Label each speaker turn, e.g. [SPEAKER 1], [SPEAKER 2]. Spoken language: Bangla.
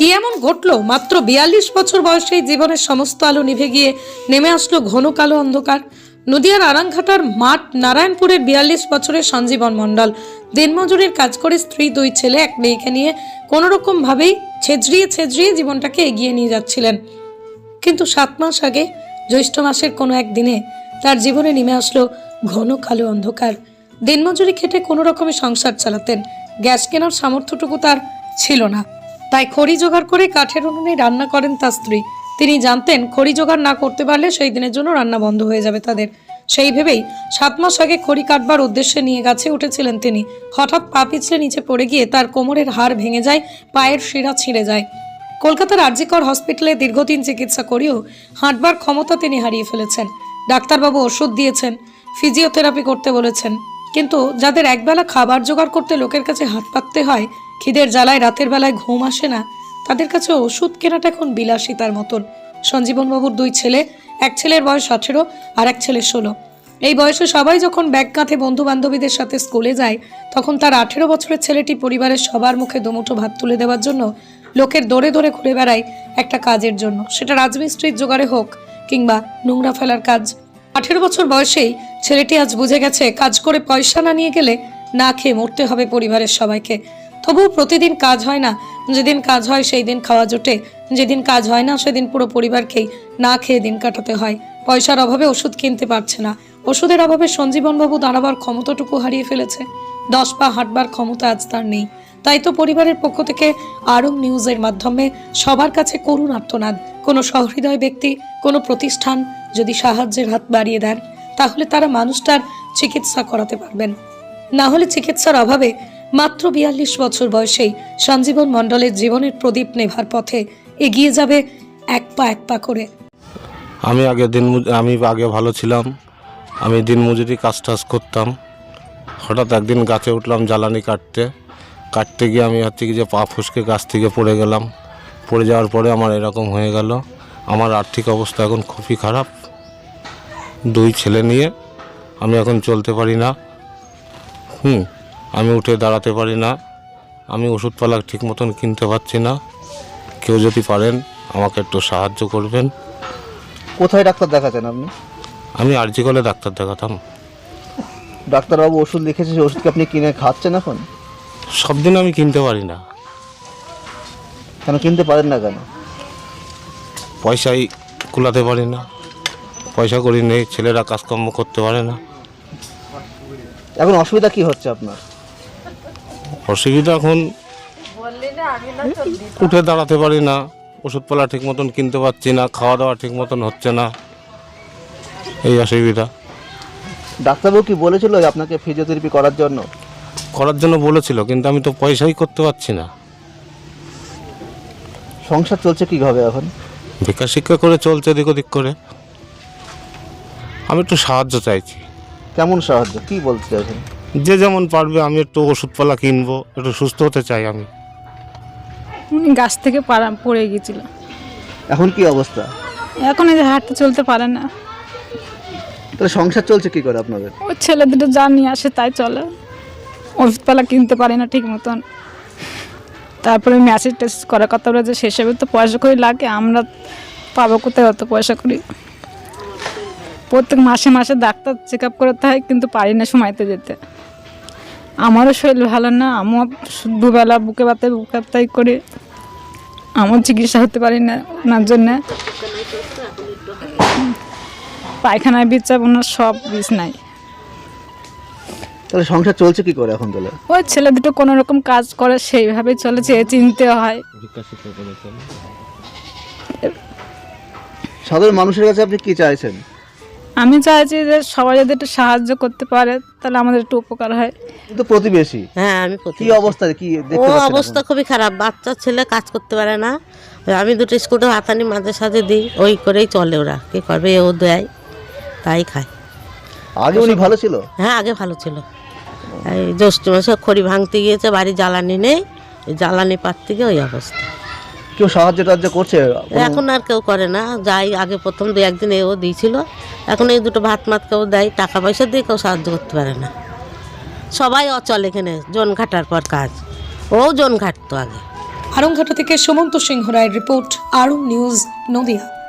[SPEAKER 1] কি এমন ঘটলো? মাত্র 42 বছর বয়সেই জীবনের সমস্ত আলো নিভে গিয়ে নেমে আসলো ঘন কালো অন্ধকার। নদিয়ার আরাংঘাটার মাঠ নারায়ণপুরের 42 বছরের সঞ্জীবন মণ্ডল দিনমজুরির কাজ করে স্ত্রী, 2 ছেলে, 1 মেয়েকে নিয়ে কোনো রকম ভাবেই ছেঁচড়িয়ে জীবনটাকে এগিয়ে নিয়ে যাচ্ছিলেন। কিন্তু 7 মাস আগে জ্যৈষ্ঠ মাসের কোনো এক দিনে তার জীবনে নেমে আসলো ঘন কালো অন্ধকার। দিনমজুরি খেটে কোনো রকমে সংসার চালাতেন। গ্যাস কেনার সামর্থ্যটুকু তার ছিল না, তাই খড়ি জোগাড় করে কাঠের উনুনে রান্না করেন তার স্ত্রী। তিনি জানতেন খড়ি জোগাড় না করতে পারলে সেই দিনের জন্য রান্না বন্ধ হয়ে যাবে তাদের। সেই ভেবেই 7 মাস আগে খড়ি কাটবার উদ্দেশ্যে নিয়ে গাছে উঠেছিলেন তিনি। হঠাৎ পা পিছলে নিচে পড়ে গিয়ে তার কোমরের হাড় ভেঙে যায়, পায়ের শিরা ছিঁড়ে যায়। কলকাতার আরজিকর হসপিটালে দীর্ঘদিন চিকিৎসা করেও হাঁটবার ক্ষমতা তিনি হারিয়ে ফেলেছেন। ডাক্তারবাবু ওষুধ দিয়েছেন, ফিজিওথেরাপি করতে বলেছেন, কিন্তু যাদের একবেলা খাবার জোগাড় করতে লোকের কাছে হাত পাততে হয়, খিদের জ্বালায় রাতের বেলায় ঘুম আসে না, তাদের কাছে ওষুধ কেনাটা এখন বিলাসিতার মতন। সঞ্জীবনবাবুর 2 ছেলে, এক ছেলের বয়স 18 আর এক ছেলে 16। এই বয়সে সবাই যখন ব্যাগ কাঁধে বন্ধু বান্ধবীদের সাথে স্কুলে যায়, তখন তার 18 বছরের ছেলেটি পরিবারের সবার মুখে দুমুঠো ভাত তুলে দেওয়ার জন্য লোকের দৌড়ে দৌড়ে ঘুরে বেড়ায় একটা কাজের জন্য, সেটা রাজমিস্ত্রির জোগাড়ে হোক কিংবা নোংরা ফেলার কাজ। 18 বছর বয়সেই ছেলেটি আজ বুঝে গেছে কাজ করে পয়সা না নিয়ে গেলে না খেয়ে মরতে হবে পরিবারের সবাইকে। তবুও প্রতিদিন কাজ হয় না, যেদিন কাজ হয় সেই দিন খাওয়া জোটে, যেদিন কাজ হয় না সেদিন পুরো পরিবারকেই না খেয়ে দিন কাটাতে হয়। পয়সার অভাবে ওষুধ কিনতে পারছে না, ওষুধের অভাবে সঞ্জীবনবাবু দাঁড়াবার ক্ষমতাটুকু হারিয়ে ফেলেছে। 10 পা হাঁটবার ক্ষমতা আজ তার নেই। তাই তো পরিবারের পক্ষ থেকে আরং নিউজের মাধ্যমে সবার কাছে করুণ আর্তনাদ। কোনো সহৃদয় ব্যক্তি, কোনো প্রতিষ্ঠান যদি সাহায্যের হাত বাড়িয়ে দেন, তাহলে তারা মানুষটার চিকিৎসা করাতে পারবেন। না হলে চিকিৎসার অভাবে মাত্র 42 বছর বয়সেই সঞ্জীবন মণ্ডলের জীবনের প্রদীপ নেভার পথে এগিয়ে যাবে এক পা করে।
[SPEAKER 2] আমি আগে ভালো ছিলাম। আমি দিনমজুরি কাজ করতাম। হঠাৎ একদিন গাছে উঠলাম জ্বালানি কাটতে গিয়ে আমি যে পা ফসকে গাছ থেকে পড়ে গেলাম। পড়ে যাওয়ার পরে আমার এরকম হয়ে গেল। আমার আর্থিক অবস্থা এখন খুবই খারাপ। 2 ছেলে নিয়ে আমি এখন চলতে পারি না। আমি উঠে দাঁড়াতে পারি না। আমি ওষুধপালা ঠিক মতন কিনতে পারছি না। কেউ যদি পারেন আমাকে একটু সাহায্য করবেন।
[SPEAKER 3] কোথায় ডাক্তার দেখাতেন আপনি?
[SPEAKER 2] আমি আরজিকলে ডাক্তার দেখাতাম।
[SPEAKER 3] ডাক্তারবাবু ওষুধ লিখেছে, সেই ওষুধ কি আপনি কিনে খাচ্ছেন এখন?
[SPEAKER 2] সব দিন আমি কিনতে পারি না।
[SPEAKER 3] কেন কিনতে পারেন না কেন?
[SPEAKER 2] পয়সাই কুলাতে পারি না, পয়সা করি নেই, ছেলেরা কাজকর্ম করতে পারে না।
[SPEAKER 3] এখন অসুবিধা কি হচ্ছে আপনার?
[SPEAKER 2] অসুবিধা এখন উঠে দাঁড়াতে পারি না, ওষুধপালা ঠিক মতন কিনতে পারছি না, খাওয়া দাওয়া ঠিক মতন হচ্ছে না, এই অসুবিধা।
[SPEAKER 3] ডাক্তারবাবু কি বলেছিল আপনাকে ফিজিওথেরাপি করার জন্য
[SPEAKER 2] বলেছিল, কিন্তু আমি তো পয়সাই করতে পারছি না।
[SPEAKER 3] সংসার চলছে কিভাবে এখন?
[SPEAKER 2] ভিক্ষা শিক্ষা করে চলছে এদিক ওদিক করে। আমি একটু সাহায্য চাইছি।
[SPEAKER 3] কেমন সাহায্য, কি বলতে চাইছেন?
[SPEAKER 2] যে যেমন পারবে, আমি একটু ওষুধপালা কিনবো, একটু সুস্থ হতে চাই আমি।
[SPEAKER 4] উনি গাছ থেকে পড়ে গিয়েছিল।
[SPEAKER 3] এখন কি অবস্থা?
[SPEAKER 4] এখন এই যে হাঁটতে চলতে পারে না।
[SPEAKER 3] তাহলে সংসার চলছে কি করে আপনাদের?
[SPEAKER 4] ওই ছেলে দুটো যা নিয়ে আসে তাই চলে। ওষুধপালা কিনতে পারি না ঠিক মতন। তারপরে ম্যাসেজ টেস্ট করার কথা বলে যে সেসবে তো পয়সা করি লাগে, আমরা পাবো কোথায় অত পয়সা করি? প্রত্যেক মাসে মাসে ডাক্তার চেক আপ করাতে হয়, কিন্তু পারি না সময়তে যেতে। আমারও শরীর ভালো না, আমার দুবেলা বুকে ব্যথাই করি, আমার চিকিৎসা হতে পারি না ওনার জন্যে। পায়খানায় বিচার ওনার সব বিষ নাই।
[SPEAKER 3] তাহলে সংসার চলছে কি করে এখন? তাহলে
[SPEAKER 4] ওই ছেলে দুটো কোনো রকম কাজ করে সেইভাবে চলেছে, চিনতে হয়।
[SPEAKER 3] সাধারণ মানুষের কাছে আপনি কি চাইছেন?
[SPEAKER 4] আমি চাইছি যে সবাই যদি একটু সাহায্য করতে পারে তাহলে আমাদের একটু উপকার হয়।
[SPEAKER 3] কিন্তু প্রতিবেশী,
[SPEAKER 5] হ্যাঁ আমি
[SPEAKER 3] কি অবস্থা, কি দেখতে
[SPEAKER 5] ও
[SPEAKER 3] পাচ্ছেন?
[SPEAKER 5] অবস্থা খুবই খারাপ। বাচ্চা ছেলে কাজ করতে পারে না। আমি 2টো স্কুটার হাতানি মাঝে সাঝে দিই, ওই করেই চলে। ওরা কি করবে, ও দেয় তাই খায়।
[SPEAKER 3] আগে উনি ভালো ছিল?
[SPEAKER 5] হ্যাঁ আগে ভালো ছিল। এই জ্যৈষ্ঠ মাসে খড়ি ভাঙতে গিয়েছে, বাড়ি জ্বালানি নেই, জ্বালানি পাত থেকে ওই অবস্থা।
[SPEAKER 3] কেউ সাহায্য করছে?
[SPEAKER 5] এখন আর কেউ করে না। যাই আগে প্রথম 2-1 দিন এও দিয়েছিল, এখন এই 2টো ভাত কেউ দেয়, টাকা পয়সা দিয়ে কেউ সাহায্য করতে পারে না। সবাই অচল এখানে, জন ঘাটার পর কাজ। ও জন ঘাটতো আগে।
[SPEAKER 1] আরংঘাটা থেকে সুমন্ত সিংহ রায়ের রিপোর্ট, আরং নিউজ, নদিয়া।